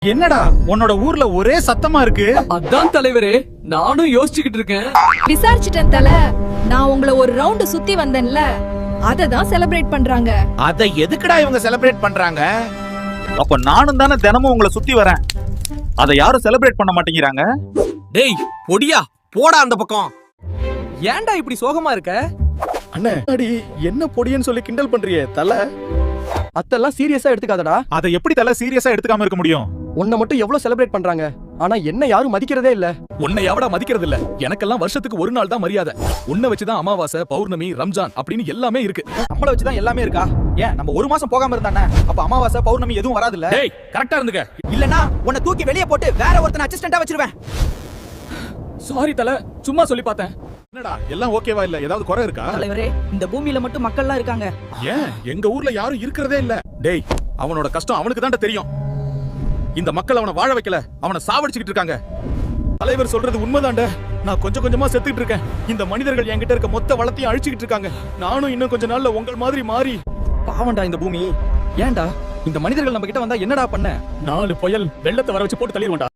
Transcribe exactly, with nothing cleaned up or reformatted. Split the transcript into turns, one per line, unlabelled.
என்னடா உன்னோட ஊர்ல ஒரே சத்தமா இருக்கு?
அதான் தலைவரே, நானும் யோசிச்சுக்கிட்டு இருக்கேன்.
விசாரிச்சிட்டேன் தல. நான் உங்களை ஒரு ரவுண்ட் சுத்தி வந்தேன்ல, அத தான் செலிப்ரேட் பண்றாங்க.
அத எதுக்குடா இவங்க செலிப்ரேட் பண்றாங்க? அப்ப நானும் தானே தினமும் உங்களை சுத்தி வரேன். அத யாரும் செலிப்ரேட் பண்ண மாட்டேங்கிறாங்க.
டேய் பொடியா, போடா அந்த பக்கம்.
ஏன்டா இப்படி சோகமா இருக்க?
அண்ணே, அடி என்ன பொடியன்னு சொல்லி கிண்டல் பண்றியே தல. அத்தெல்லாம் சீரியஸா எடுத்துக்காதடா.
அத எப்படி தல சீரியஸா எடுத்துக்காம இருக்க முடியும்?
உன்னை மட்டும் எவ்வளவு செலிப்ரேட் பண்றாங்க, ஆனா என்ன யாரும் மதிக்கிறதே இல்ல.
உன்னை எவடா மதிக்கிறது இல்ல? எனக்கெல்லாம் வருஷத்துக்கு ஒரு நாள் தான் மரியாதை. உன்னை வச்சுதான் அமாவாசை, பௌர்ணமி, ரம்ஜான் அப்படின்னு எல்லாமே இருக்கு.
நம்மள வச்சுதான் எல்லாமே இருக்கா? ஏன் நம்ம ஒரு மாசம் போகாம இருந்தானே அப்ப அமாவாசை பௌர்ணமி எதுவும் வராது இல்ல?
டேய் கரெக்டா இருந்துக்க.
இல்லனா உன்னை தூக்கி வெளிய போட்டு வேற ஒருத்தனை அசிஸ்டண்டா வச்சிருவேன்.
சாரி தல, சும்மா சொல்லி பார்த்தேன்.
என்னடா எல்லாம் ஓகேவா இல்ல? ஏதாவது குறை இருக்கா?
தலைவரே, இந்த பூமியில மட்டும் மக்கள்லாம் இருக்காங்க.
ஏன் எங்க ஊர்ல யாரும் இருக்கிறதே இல்ல?
டேய், அவனோட கஷ்டம் அவனுக்கு தான் தெரியும். இந்த மக்கள் அவனை வாழ வைக்கல, அவனை சாவடிச்சுக்கிட்டு இருக்காங்க. தலைவர் சொல்றது உண்மைதான்டா. நான் கொஞ்சம் கொஞ்சமா செத்துக்கிட்டு இருக்கேன். இந்த மனிதர்கள் என்கிட்ட இருக்க மொத்த வளத்தையும் அழிச்சுக்கிட்டு இருக்காங்க. நானும் இன்னும் கொஞ்ச நாள்ல உங்கள் மாதிரி மாறி.
பாவண்டா இந்த பூமி. ஏன்டா இந்த மனிதர்கள் நம்ம கிட்ட வந்தா என்னடா பண்ண?
நாலு புயல் வெள்ளத்தை வர வச்சு போட்டு தள்ளிடுவான்டா.